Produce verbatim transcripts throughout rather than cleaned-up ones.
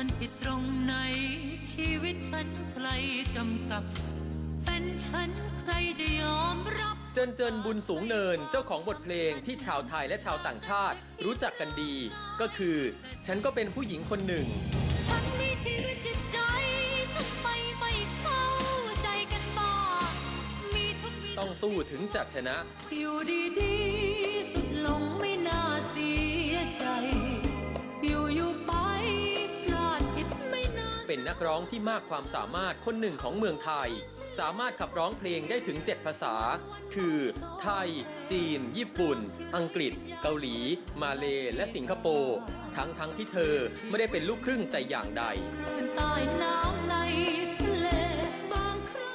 นผิดตรงไหนชีวิตฉันใครกำกับเป็นฉันใครจะยอมรับเจินเจินบุญสูงเนินเจ้าของบทเพลงที่ชาวไทยและชาวต่างชาติรู้จักกันดีก็คือฉันก็เป็นผู้หญิงคนหนึ่งฉันมีชีวิตจิตใจทำไมไม่เข้าใจกันบ้างมีทุกต้องสู้ถึงจะชนะอยู่ดีๆสุดลงไม่น่าเสียใจอยู่อยู่ไปพลาดผิดไม่น่าเป็นนักร้องที่มากความสามารถคนหนึ่งของเมืองไทยสามารถขับร้องเพลงได้ถึงเจ็ดภาษาคือไทยจีนญี่ปุ่นอังกฤษเกาหลีมาเลและสิงคโปร์ทั้งทั้งที่เธอไม่ได้เป็นลูกครึ่งแต่อย่างใดใต้น้ำในทะเลบางครั้ง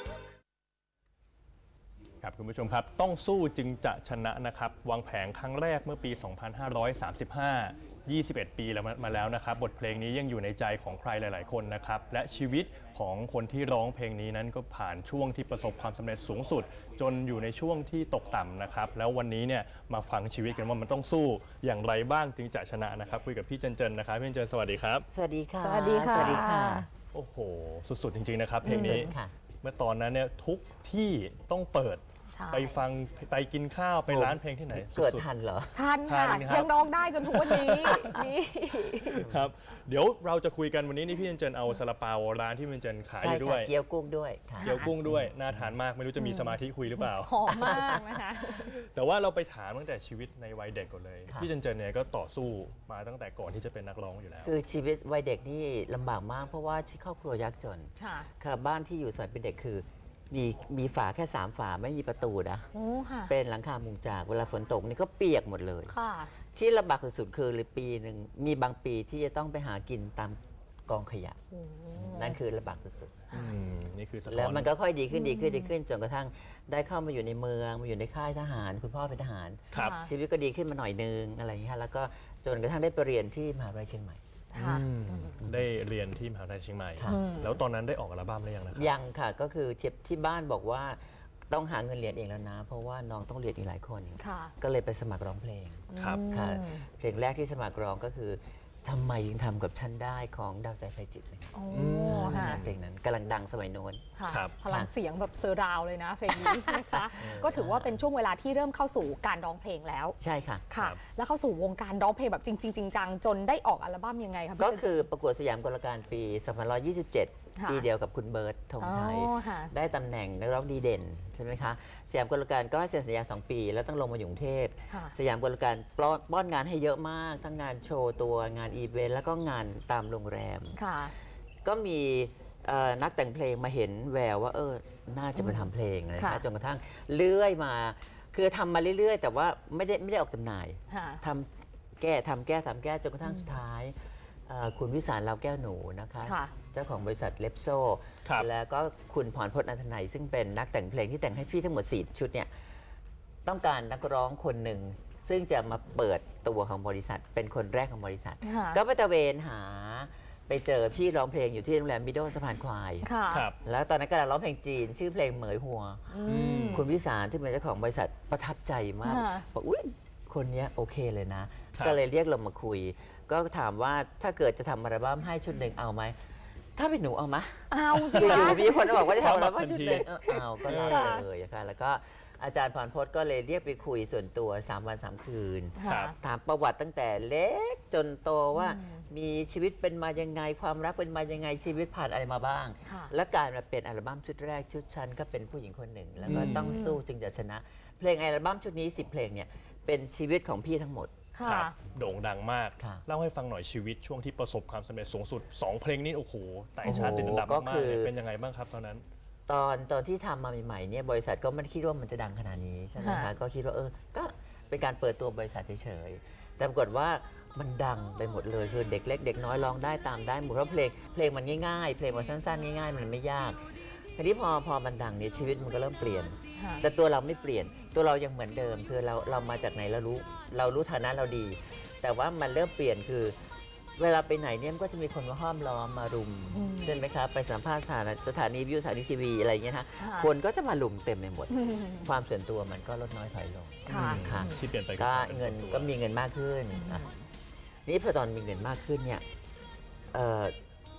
ครับคุณผู้ชมครับต้องสู้จึงจะชนะนะครับวางแผงครั้งแรกเมื่อปี สองพันห้าร้อยสามสิบห้า ยี่สิบเอ็ด ปีแล้วมาแล้วนะครับบทเพลงนี้ยังอยู่ในใจของใครหลายๆคนนะครับและชีวิตของคนที่ร้องเพลงนี้นั้นก็ผ่านช่วงที่ประสบความสำเร็จสูงสุดจนอยู่ในช่วงที่ตกต่ำนะครับแล้ววันนี้เนี่ยมาฟังชีวิตกันว่ามันต้องสู้อย่างไรบ้างจึงจะชนะนะครับคุยกับพี่เจนเจนนะครับพี่เจนเจนสวัสดีครับสวัสดีค่ะสวัสดีค่ะสวัสดีค่ะโอ้โหสุดๆจริงๆนะครับเพลงนี้เมื่อตอนนั้นเนี่ยทุกที่ต้องเปิดไปฟังไปกินข้าวไปร้านเพลงที่ไหนเกิดทันเหรอทันค่ะยังร้องได้จนทุกวันนี้นี่ครับเดี๋ยวเราจะคุยกันวันนี้นี่พี่เจนเจนเอาซาลาเปาร้านที่พี่เจนเจนขายอยู่ด้วยเกี๊ยวกุ้งด้วยเกี๊ยวกุ้งด้วยน่าทานมากไม่รู้จะมีสมาธิคุยหรือเปล่าหอมมากนะคะแต่ว่าเราไปถามตั้งแต่ชีวิตในวัยเด็กก่อนเลยพี่เจนเจนเนี่ยก็ต่อสู้มาตั้งแต่ก่อนที่จะเป็นนักร้องอยู่แล้วคือชีวิตวัยเด็กนี่ลำบากมากเพราะว่าครอบครัวยากจนค่ะบ้านที่อยู่สมัยเป็นเด็กคือมีมีฝาแค่สามฝาไม่มีประตูนะเป็นหลังคามุงจากเวลาฝนตกนี่ก็เปียกหมดเลยที่ลำบากสุดคือเลยปีหนึ่งมีบางปีที่จะต้องไปหากินตามกองขยะนั่นคือลำบากสุดๆนี่คือแล้วมันก็ค่อยดีขึ้นดีขึ้นดีขึ้นจนกระทั่งได้เข้ามาอยู่ในเมืองมาอยู่ในค่ายทหารคุณพ่อเป็นทหารชีวิตก็ดีขึ้นมาหน่อยนึงอะไรอย่างเงี้ยแล้วก็จนกระทั่งได้ไปเรียนที่มหาวิทยาลัยเชียงใหม่ได้เรียนที่มหาวิทยาลัยเชียงใหม่แล้วตอนนั้นได้ออกอัลบั้มหรือยังนะครับยังค่ะก็คือเทียบที่บ้านบอกว่าต้องหาเงินเรียนเองแล้วนะเพราะว่าน้องต้องเรียนอีกหลายคนก็เลยไปสมัครร้องเพลงครับค่ะเพลงแรกที่สมัครร้องก็คือทำไมยังทำกับฉันได้ของดาวใจไฟจิตเลยเพลงนั้นกำลังดังสมัยโน้นพลังเสียงแบบเซอร์ราวเลยนะเพลงนี้นะคะก็ถือว่าเป็นช่วงเวลาที่เริ่มเข้าสู่การร้องเพลงแล้วใช่ค่ะค่ะแล้วเข้าสู่วงการร้องเพลงแบบจริงๆจังๆจนได้ออกอัลบั้มยังไงครับก็คือประกวดสยามกลการปีสองพันห้าร้อยยี่สิบเจ็ดปีเดียวกับคุณเบิร์ตธงชัยได้ตำแหน่งนักร้องดีเด่นใช่ไหมคะสยามกลการก็ให้เซ็นสัญญาสองปีแล้วต้องลงมาอยู่กรุงเทพสยามกลการป้อนงานให้เยอะมากทั้งงานโชว์ตัวงานอีเวนต์แล้วก็งานตามโรงแรมก็มีนักแต่งเพลงมาเห็นแววว่าเออน่าจะมาทำเพลงนะคะจนกระทั่งเลื่อยมาคือทำมาเรื่อยๆแต่ว่าไม่ได้ไม่ได้ออกจำหน่ายทำแก้ทำแก้ทำแก้จนกระทั่งสุดท้ายคุณวิสารลาวแก้วหนูนะคะเจ้าของบริษัทเลปโซแล้วก็คุณพรพจน์อันธนัยซึ่งเป็นนักแต่งเพลงที่แต่งให้พี่ทั้งหมดสี่ชุดเนี่ยต้องการนักร้องคนหนึ่งซึ่งจะมาเปิดตัวของบริษัทเป็นคนแรกของบริษัทก็ไปตะเวนหาไปเจอพี่ร้องเพลงอยู่ที่โรงแรมมิโดสะพานควายแล้วตอนนั้นกำลังร้องเพลงจีนชื่อเพลงเหมยหัวคุณวิสารที่เป็นเจ้าของบริษัทประทับใจมากบอกอุ้ยคนนี้โอเคเลยนะก็เลยเรียกเรามาคุยก็ถามว่าถ้าเกิดจะทำอัลบั้มให้ชุดหนึ่งเอาไหมถ้าเป็นหนูเอาไหมเอาอยู่ๆมีคนบอกว่าจะทำอัลบั้มชุดหนึ่งเอาก็ได้เลยค่ะแล้วก็อาจารย์พรพจน์ก็เลยเรียกไปคุยส่วนตัวสามวันสามคืนถามประวัติตั้งแต่เล็กจนโตว่ามีชีวิตเป็นมายังไงความรักเป็นมายังไงชีวิตผ่านอะไรมาบ้างและการมาเป็นอัลบั้มชุดแรกชุดฉันก็เป็นผู้หญิงคนหนึ่งแล้วก็ต้องสู้จึงจะชนะเพลงอัลบั้มชุดนี้สิบเพลงเนี่ยเป็นชีวิตของพี่ทั้งหมดโด่งดังมากเล่าให้ฟังหน่อยชีวิตช่วงที่ประสบความสำเร็จสูงสุดสองเพลงนี้โอ้โหแต่ชาติติดอันดับมากเป็นยังไงบ้างครับตอนนั้นตอนตอนที่ทำมาใหม่ๆเนี่ยบริษัทก็ไม่คิดว่ามันจะดังขนาดนี้ใช่ไหมคะก็คิดว่าเออก็เป็นการเปิดตัวบริษัทเฉยๆแต่ปรากฏว่ามันดังไปหมดเลยคือเด็กเล็กเด็กน้อยร้องได้ตามได้หมดเพราะเพลงเพลงมันง่ายๆเพลงมันสั้นๆง่ายๆมันไม่ยากทีนี้พอพอมันดังเนี่ยชีวิตมันก็เริ่มเปลี่ยนแต่ตัวเราไม่เปลี่ยนตัวเรายังเหมือนเดิมคือเราเรามาจากไหนเรารู้เรารู้ฐานะเราดีแต่ว่ามันเริ่มเปลี่ยนคือเวลาไปไหนเนี่ยมันก็จะมีคนมาห้อมล้อมมารุมใช่ไหมครับไปสัมภาษณ์สถานีสถานีวิวสถานีทีวีอะไรอย่างเงี้ยนะคนก็จะมาลุมเต็มไปหมดความส่วนตัวมันก็ลดน้อยถอยลงค่ะที่เปลี่ยนไปก็เงินก็มีเงินมากขึ้นนี่พอตอนมีเงินมากขึ้นเนี่ย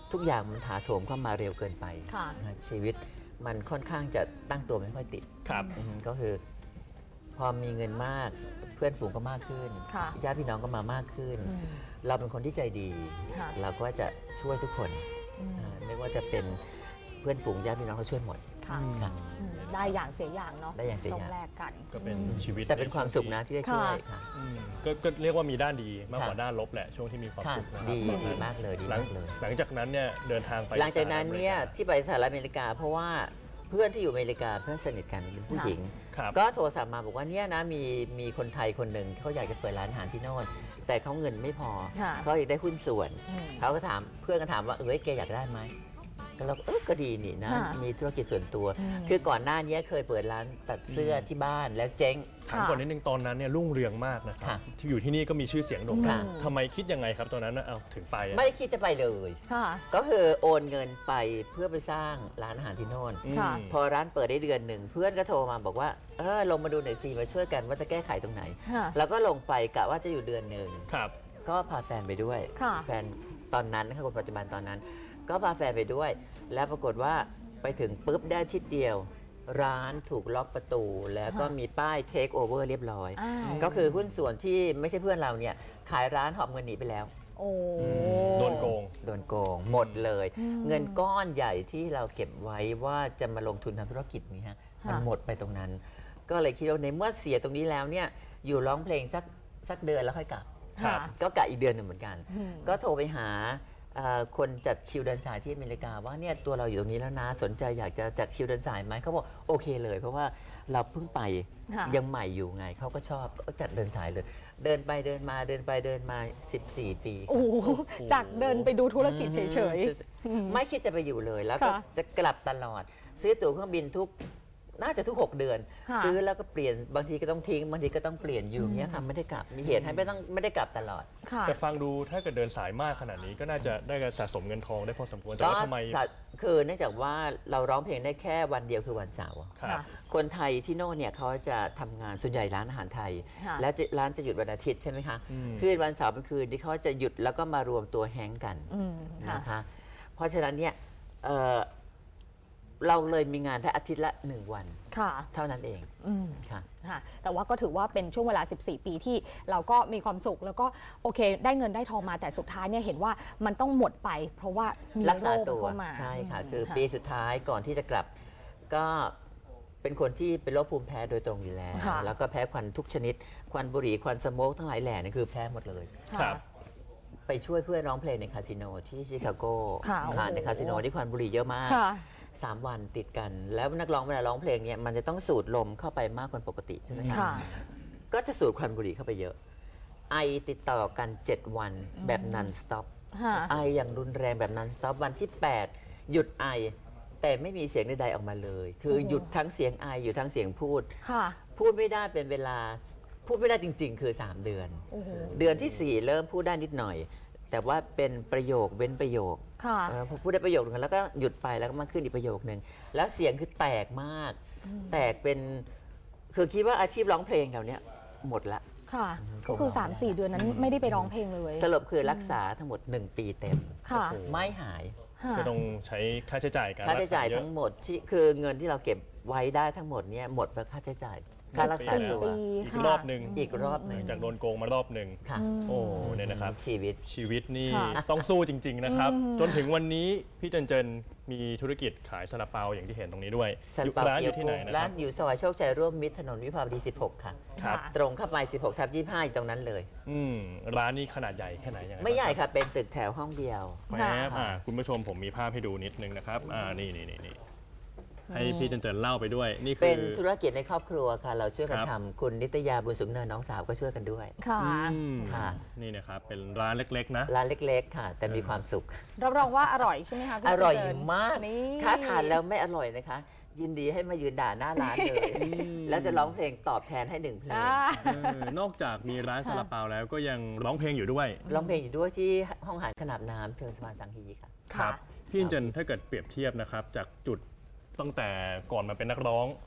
ทุกอย่างมันถาโถมเข้ามาเร็วเกินไปค่ะนะชีวิตมันค่อนข้างจะตั้งตัวไม่ค่อยติดครับอืมก็คือพอมีเงินมากเพื่อนฝูงก็มากขึ้นค่ะญาติพี่น้องก็มามากขึ้นอืมเราเป็นคนที่ใจดีค่ะเราก็จะช่วยทุกคนอืมอ่าไม่ว่าจะเป็นเพื่อนฝูงญาติพี่น้องเขาช่วยหมดค่ะค่ะอืมได้อย่างเสียอย่างเนาะได้อย่างเสียอย่างต้องแลกกันก็เป็นชีวิตแต่เป็นความสุขนะที่ได้ช่วยค่ะอืมก็ก็เรียกว่ามีด้านดีมากกว่าค่ะด้านลบแหละช่วงที่มีความค่ะสุขนะครับดีตอนดีนั้นมากเลยดีหลังมากเลยหลังจากนั้นเนี่ยเดินทางไปหลังจากนั้นเนี่ยสหรัฐอมริกาที่ไปสหรัฐอเมริกา เพราะว่าเพื่อนที่อยู่อเมริกาเพื่อนสนิทกันเป็นผู้หญิงครับก็โทรศัพท์มาบอกว่าเนี่ยนะมีมีคนไทยคนหนึ่งเขาอยากจะเปิดร้านอาหารที่โน่นแต่เขาเงินไม่พอค่ะเขาอยากได้หุ้นส่วนอืมเขาก็ถามเพื่อนก็ถามว่าเอ้ยแกอยากได้ไหมก็เราก็เออก็ดีนี่นะค่ะมีธุรกิจส่วนตัวอืมคือก่อนหน้านี้เคยเปิดร้านตัดเสื้อที่บ้านแล้วเจ๊งถามก่อนนิดนึงตอนนั้นเนี่ยรุ่งเรืองมากนะครับค่ะที่อยู่ที่นี่ก็มีชื่อเสียงโด่งดังค่ะทำไมคิดยังไงครับตอนนั้นน่ะเอาถึงไปอะไม่ได้คิดจะไปเลยค่ะก็คือโอนเงินไปเพื่อไปสร้างร้านอาหารที่โน่นอืมค่ะพอร้านเปิดได้เดือนหนึ่งเพื่อนก็โทรมาบอกว่าเออลงมาดูหน่อยสิมาช่วยกันว่าจะแก้ไขตรงไหนค่ะแล้วก็ลงไปกะว่าจะอยู่เดือนหนึ่งครับก็พาแฟนไปด้วยค่ะแฟนตอนนั้นนะคะคนปัจจุบันตอนนั้น ก็พาแฟนไปด้วย แล้วปรากฏว่าไปถึงปุ๊บได้อาทิตย์เดียว ร้านถูกล็อกประตู แล้วก็มีป้ายเทคโอเวอร์เรียบร้อยอ้าวก็คือหุ้นส่วนที่ไม่ใช่เพื่อนเราเนี่ยขายร้านหอบเงินหนีไปแล้วโอ้โดนโกงโดนโกงหมดเลยอืมเงินก้อนใหญ่ที่เราเก็บไว้ว่าจะมาลงทุนทำธุรกิจนี้ฮะค่ะมันหมดไปตรงนั้น ก็เลยคิดว่าในเมื่อเสียตรงนี้แล้วเนี่ยอยู่ร้องเพลงสักสักเดือนแล้วค่อยกลับครับก็กะอีกเดือนหนึ่งเหมือนกันอืมก็โทรไปหาเอ่อคนจัดคิวเดินสายที่อเมริกาว่าเนี่ยตัวเราอยู่ตรงนี้แล้วนะสนใจอยากจะจัดคิวเดินสายไหมเขาบอกโอเคเลย เพราะว่าเราเพิ่งไปค่ะยังใหม่อยู่ไงเขาก็ชอบก็จัดเดินสายเลย เดินไปเดินมาเดินไปเดินมา สิบสี่ ปีโอ้โหจากเดินไปดูธุรกิจเฉยอืมไม่คิดจะไปอยู่เลย แล้วก็ค่ะจะกลับตลอด ซื้อตั๋วเครื่องบินทุกน่าจะทุก หก เดือนค่ะซื้อแล้วก็เปลี่ยนบางทีก็ต้องทิ้งบางทีก็ต้องเปลี่ยนอยู่อย่างเงี้ยค่ะไม่ได้กลับมีเหตุให้ไม่ต้องไม่ได้กลับตลอดๆ ค่ะแต่ฟังดูถ้าเกิดเดินสายมากขนาดนี้ก็น่าจะได้การสะสมเงินทองได้พอสมควรแต่ก็ว่าทำไมสัตว์คือเนื่องจากว่าเราร้องเพลงได้แค่วันเดียวคือวันเสาร์ครับคนไทยที่โน่นเนี่ยเขาจะทำงานส่วนใหญ่ร้านอาหารไทยค่ะแล้วจะร้านจะหยุดวันอาทิตย์ใช่ไหมคะอืมคืนวันเสาร์เป็นคืนที่เขาจะหยุดแล้วก็มารวมตัวแฮงกันอืมค่ะนะคะ เพราะฉะนั้นเนี่ยเอ่อเราเลยมีงานได้อาทิตย์ละหนึ่งวันค่ะเท่านั้นเองอืมค่ะค่ะแต่ว่าก็ถือว่าเป็นช่วงเวลา สิบสี่ ปีที่เราก็มีความสุขแล้วก็โอเค ได้เงินได้ทองมาแต่สุดท้ายเนี่ยเห็นว่ามันต้องหมดไป เพราะว่ามีรักษาโคตัวเข้ามาใช่ค่ะ คือค่ะปีสุดท้ายก่อนที่จะกลับ ก็เป็นคนที่เป็นโรคภูมิแพ้โดยตรงอยู่แล้วค่ะแล้วก็แพ้ควันทุกชนิด ควันบุหรี่ควันสโมกทั้งหลายแหล่นี่คือแพ้หมดเลยครับไปช่วยเพื่อนร้องเพลงในคาสิโนที่ชิคาโกค่ะโอ้โหในคาสิโนที่ควันบุหรี่เยอะมากค่ะสามวันติดกัน แล้วนักร้องเวลาร้องเพลงเนี่ยมันจะต้องสูดลมเข้าไปมากกว่าปกติใช่ไหมคะค่ะก็จะสูดควันบุหรี่เข้าไปเยอะ ไอติดต่อกัน เจ็ด วันแบบนันสต็อปค่ะไออย่างรุนแรงแบบนันสต็อปวันที่ แปด หยุดไอ แต่ไม่มีเสียงใดๆออกมาเลย คือโอ้โหหยุดทั้งเสียงไออยู่ทั้งเสียงพูดค่ะพูดไม่ได้เป็นเวลาพูดไม่ได้จริง ๆ คือ สาม เดือนโอ้โหเดือนที่ สี่ เริ่มพูดได้นิดหน่อย แต่ว่าเป็นประโยคเว้นประโยคค่ะเออพอพูดได้ประโยคนึงแล้วก็หยุดไปแล้วก็มาขึ้นอีกประโยคนึงแล้วเสียงคือแตกมาก แตกเป็นคือคิดว่าอาชีพร้องเพลงเราเนี้ยหมดละค่ะ ก็คือ สามสี่ เดือนนั้นไม่ได้ไปร้องเพลงเลยสรุปคือรักษาทั้งหมด หนึ่ง ปีเต็มค่ะไม่หายค่ะก็ต้องใช้ค่าใช้จ่ายการค่าใช้จ่ายรักษเอะทั้งหมดที่คือเงินที่เราเก็บไว้ได้ทั้งหมดเนี่ยหมดเพราะค่าใช้จ่ายค่ารักษาตัวปีอีกค่ะรอบหนึ่งอีกรอบหนึ่งจากโดนโกงมารอบหนึ่งค่ะโอ้เนี่ยนะครับชีวิตชีวิตนี่ค่ะต้องสู้จริง ๆ นะครับอืมจนถึงวันนี้พี่เจนเจนมีธุรกิจขายซาลาเปาอย่างที่เห็นตรงนี้ด้วยซาอยู่ลาเปาร้านอเกี๊ยวยู่ที่ไหนกุ้งนะคร้ารันบอยู่ซอยโชคชัยร่วมมิตรถนนวิภาวดี สิบหก ค่ะครับค่ะตรงเข้าไป สิบหก ทับ ยี่สิบห้า อยู่ตรงนั้นเลยอืมร้านนี้ขนาดใหญ่แค่ไหนยังไงไม่ใหญ่บ้างค่ะ เป็นตึกแถวห้องเดียวแหมอ่าคุณผู้ชมผมมีภาพให้ดูนิดนึงนะครับอ่านี่นี่นี่นี่ให้พี่เจนเจนเล่าไปด้วย นี่คืเป็นอธุรกิจในครอบครัวค่ะ เราช่วยกันครับทำคุณนิตยาบุญสูงเนินน้องสาวก็ช่วยกันด้วยค่ะอืมค่ะนี่นะครับเป็นร้านเล็กๆนะร้านเล็กๆ ค่ะ แต่มีความสุขรับรองว่าอร่อยใช่ไหมคะพี่อร่อยเจริญมากนี่ถ้าทานแล้วไม่อร่อยนะคะ ยินดีให้มายืนด่าหน้าร้านเลย แล้วจะร้องเพลงตอบแทนให้หนึ่งเพลงอ่าเออนอกจากมีร้านซาลาเปาแล้วก็ยังร้องเพลงอยู่ด้วยร้องเพลงอยู่ด้วยที่ห้องอาหารขนาบน้ำเทิงสะพานสังฮีค่ะครัค่ะบพี่เจนถ้าเกิดเปรียบเทียบนะครับ จากจุดตั้งแต่ก่อนมาเป็นนักร้อง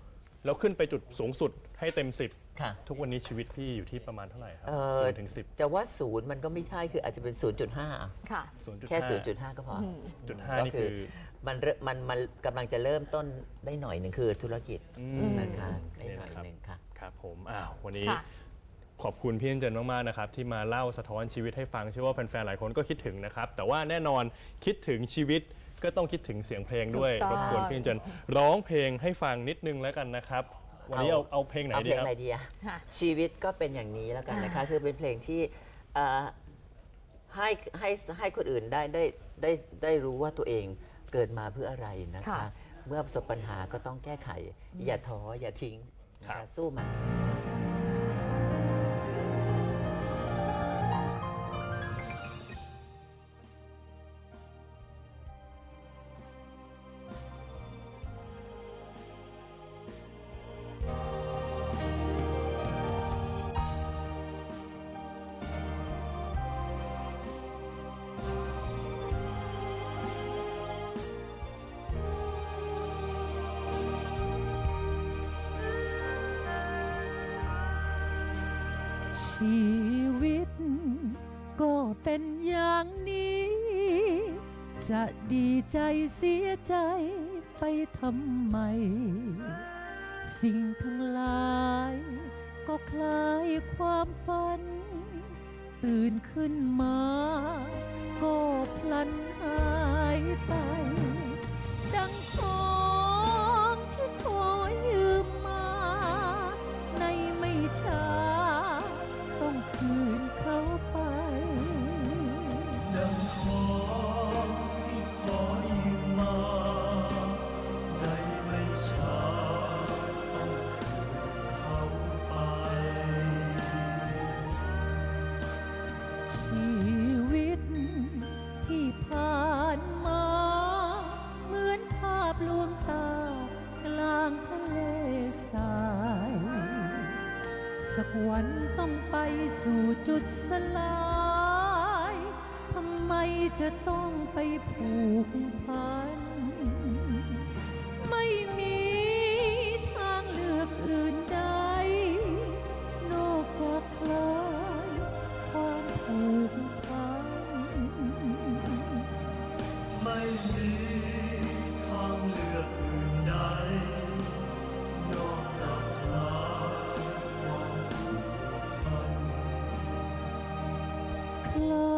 แล้วขึ้นไปจุดสูงสุดให้เต็มสิบค่ะทุกวันนี้ชีวิตพี่อยู่ที่ประมาณเท่าไหร่ครับเอ่อศูนย์ถึงสิบจะว่าศูนย์มันก็ไม่ใช่คืออาจจะเป็น ศูนย์จุดห้าค่ะแค่ ศูนย์จุดห้า ก็พออจุดห้าก็นี่คืคือ อมันเริ่มมันมันกำลังจะเริ่มต้นได้หน่อยหนึ่งคือธุรกิจอืมนะคะได้หน่อยนี่นะครับหนึ่งค่ะครับผมอ้าววันนี้ค่ะขอบคุณพี่เอ็นเจนมากๆนะครับที่มาเล่าสะท้อนชีวิตให้ฟังเชื่อว่าแฟนๆหลายคนก็คิดถึงนะครับแต่ว่าแน่นอนคิดถึงชีวิตก็ต้องคิดถึงเสียงเพลงด้วยถูกต้องรบกวนพี่เอ็นเจนร้องเพลงให้ฟังนิดนึงแล้วกันนะครับวันนี้เอาเอาเอาเพลงไหนเอาดีเพลงครับอะไรดีอะค่ะชีวิตก็เป็นอย่างนี้แล้วกันนะคะ คือเป็นเพลงที่เอ่อให้ให้ให้คนอื่นได้ได้ได้ได้รู้ว่าตัวเองเกิดมาเพื่ออะไรนะคะค่ะเมื่อประสบปัญหาก็ต้องแก้ไข อย่าท้ออย่าทิ้งนะครัคะบสู้มันชีวิตก็เป็นอย่างนี้ จะดีใจเสียใจไปทำไม สิ่งทั้งหลายก็คล้ายความฝัน ตื่นขึ้นมา ก็พลันหายไป ดังของที่ขอยืมมา ในไม่ช้า ต้องคืนเขาไปดังของที่ขอยืมมาในไม่ช้าต้องคืนเขาไปชีวิตที่ผ่านมา เหมือนภาพลวงตากลางทะเลทราย สักวันต้องไปสู่จุดสลาย ทำไมจะต้องไปผูกพัน ไม่มีทางเลือกอื่นใด นอกจากคลายความผูกพันไม่มีทางเลือกอื่นใดนอกจากคลายความผูกพันคลา